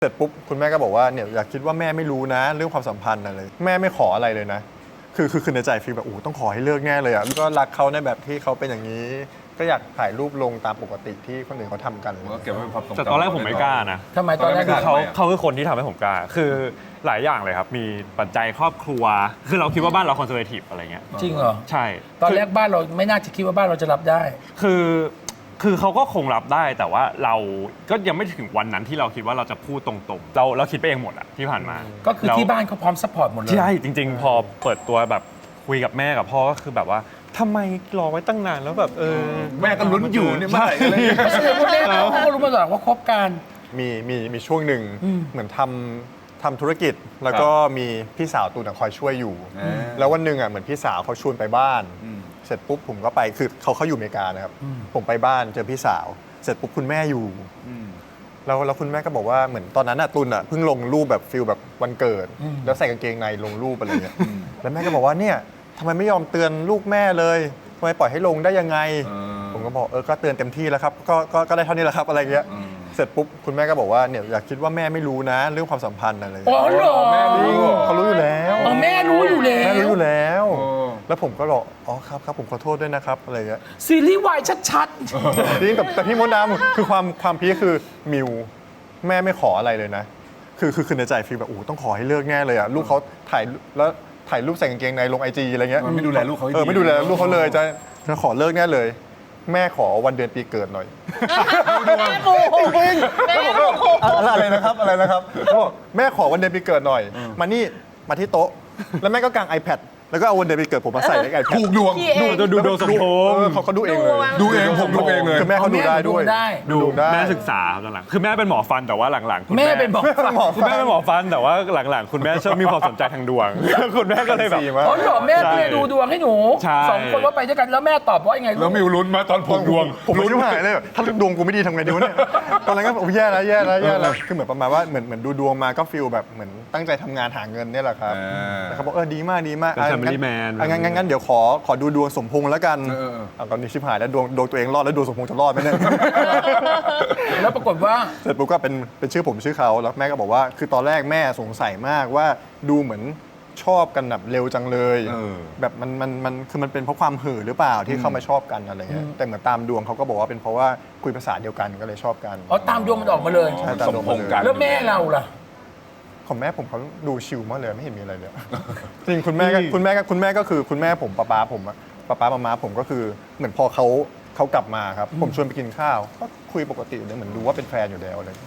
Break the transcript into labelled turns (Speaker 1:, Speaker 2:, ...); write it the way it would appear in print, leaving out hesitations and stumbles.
Speaker 1: เสร็จปุ๊บคุณแม่ก็บอกว่าเนี่ยอยากคิดว่าแม่ไม่รู้นะเรื่องความสัมพันธ์อะไรแม่ไม่ขออะไรเลยนะคือในใจฟีลแบบต้องขอให้เลิกแน่เลยอ่ะก็รักเขาในแบบที่เขาเป็นอย่างนี้ ก็อยากถ่ายรูปลงตามปกติที่คนอื่นเขาทำกัน
Speaker 2: ก็เก็บไว้เป็นความทรงจำ
Speaker 3: แต่ตอนแรกผมไม่กล้านะ
Speaker 4: ทำไมตอนแรก
Speaker 3: คือ
Speaker 4: เขา
Speaker 3: เขาคือคนที่ทำให้ผมกล้า คือหลายอย่างเลยครับ มีปัจจัยครอบครัว คือเราคิดว่าบ้านเราคอนเซอร์เวทีฟอะไรเงี้ย
Speaker 4: จริงเหรอ
Speaker 3: ใช่
Speaker 4: ตอนแรกบ้านเราไม่น่าจะคิดว่าบ้านเราจะรับได้
Speaker 3: คือเขาก็คงรับได้แต่ว่าเราก็ยังไม่ถึงวันนั้นที่เราคิดว่าเราจะพูดตรงๆ เราคิดไปเองหมดอะที่ผ่านมา
Speaker 4: ก็คือ
Speaker 3: แล้ว
Speaker 4: ที่บ้านเขาพร้อมซัพพอร์ตหมดเลย
Speaker 3: ใช่จริง ๆ พอเปิดตัวแบบคุยกับแม่กับพ่อก็คือแบบว่าทำไมรอไว้ตั้งนานแล้วแบบ
Speaker 2: แม่ก็ลุ้นอยู่เนี่ยเมื่อไหร่อะไรอย่างเงี้ย
Speaker 4: แสดงว่าแม่เขาก็รู้มาตลอดว่าคบกัน
Speaker 1: มีช่วงหนึ่งเหมือนทำธุรกิจ แล้วก็มีพี่สาวตูนคอยช่วยอยู่ แล้ววันหนึ่งอ่ะเหมือนพี่สาวเขาชวนไปบ้าน เสร็จปุ๊บผมก็ไปคือเขาอยู่อเมริกานะครับผมไปบ้านเจอพี่สาว เสร็จปุ๊บคุณแม่อยู่แล้วคุณแม่ก็บอกว่าเหมือนตอนนั้นอ่ะตุนอ่ะเพิ่งลงรูปแบบฟิลแบบวันเกิด แล้วใส่กางเกงในลงรูปอะไรเงี้ยแล้วแม่ก็บอกว่าเนี่ยทำไมไม่ยอมเตือนลูกแม่เลยทำไมปล่อยให้ลงได้ยังไง ผมก็บอกก็เตือนเต็มที่แล้วครับก็ได้เท่านี้แหละครับอะไรเงี้ยเสร็จปุ๊บคุณแม่ก็บอกว่าเนี่ยอยากคิดว่าแม่ไม่รู้นะเรื่องความสัมพันธ์อะไร
Speaker 4: อ๋อเหรอ
Speaker 2: แม่รู้
Speaker 1: เขารู้อยู่แล้ว
Speaker 4: อ๋อแม่รู้อยู่แล้
Speaker 1: แม่รู้
Speaker 4: ว
Speaker 1: อยู่แล้ว
Speaker 2: โอ้
Speaker 1: แล้วผมก็บอกอ๋อครับผมขอโทษด้วยนะครับอะไรเงี้ย
Speaker 4: ซีรีส์วายชัด
Speaker 1: จริงแต่พี่มดดำคือความพีคคือมิวแม่ไม่ขออะไรเลยนะคือในใจฟีลแบบต้องขอให้เลิกแน่เลยอ่ะลูกเขาถ่ายรูปใส่กางเกงในลงไอจีอะไรเงี้ย
Speaker 2: มันไม่ดูแลลูกเขาให้ดี
Speaker 1: ไม่ดูแลลูกเขาเลยจะขอเลิกแน่เลย แม่ขอวันเดือนปีเกิดหน่อย
Speaker 5: แม่ปูแม่ปู
Speaker 1: อะไรนะครับเขาบอกแม่ขอวันเดือนปีเกิดหน่อยมาที่โต๊ะ แล้วแม่ก็กาง iPad แล้วก็เอาวันเดือนปีเกิดผมมาใส่ใน iPad
Speaker 2: ถูกดวง
Speaker 3: ดูดวงสมพงษ์
Speaker 1: เขาดูเองเลย
Speaker 2: ดูเองผมดูเองเลย
Speaker 1: คือแม่เขาดูได้ด้วย
Speaker 3: ดู
Speaker 1: ได้
Speaker 3: แม่ศึกษาครับหลังๆคือแม่เป็นหมอฟันแต่ว่าหลังๆคุณ
Speaker 4: ๆ แม่เป็นบอก
Speaker 3: คุณแม่เป็นหมอฟันแต่ว่าหลังๆ คุณแม่ชอบมีความสนใจทางดวง คุณแม่ก็เลยแบบ
Speaker 1: ดีมาก
Speaker 4: อ๋อเหรอแม่ก็เลยดูดวงให้หนู
Speaker 3: ใช่
Speaker 4: สองคนว่าไปด้วยกันแล้วแม่ตอบว่ายังไง
Speaker 2: แล้วมิวลุ้นมาตอนผูกดวง
Speaker 1: ผมไม่รู้หายเลยแบบถ้าดวงกูไม่ดีทำไงดีวะเนี่ย ตอนนั้นก็แย่แล้วคือเหมือนประมาณว่าเหมือนดูดวงมาก็ฟีลแบบเหมือนตั้งใจทำงานหาเงินเนี่ยแหละครับแต่เขาบอกดีมาก
Speaker 3: เป็น family man
Speaker 1: งั้นเดี๋ยวขอดูดวงสมพงษ์แล้วกันตอนนี้ชิบหายแล้วดวงตัวเองรอดแล้วดวงสมพงษ์จะรอดไหมเนี่ย
Speaker 4: แล้วปรากฏว่า
Speaker 1: เสร็จปุ๊บก็เป็นชื่อผมชื่อเขาแล้วแม่ก็บอกว่าคือตอนแรกแม่สงสัยมากว่าดูเหมือนชอบกันแบบเร็วจังเลยแบบมันคือมันเป็นเพราะความเห่อหรือเปล่าที่เข้ามาชอบกันอะไรเงี้ยแต่เหมือนตามดวงเขาก็บอกว่าเป็นเพราะว่าคุยภาษาเดียวกันก็เลยชอบกัน
Speaker 4: อ๋อตามดวงมันออกมาเลย
Speaker 1: ใช่ตามดวงมาเลย
Speaker 4: แล้วแม่เราล่ะ
Speaker 1: ของแม่ผมเขาดูชิลมากเลยไม่เห็นมีอะไรเลย จริงคุณแม่ก็คือคุณแม่ผมป๊าผมอะป๊ามาม่าผมก็คือเหมือนพอเขากลับมาครับผมชวนไปกินข้าวก็คุยปกติเลยเหมือนดูว่าเป็นแฟนอยู่แล้วเลย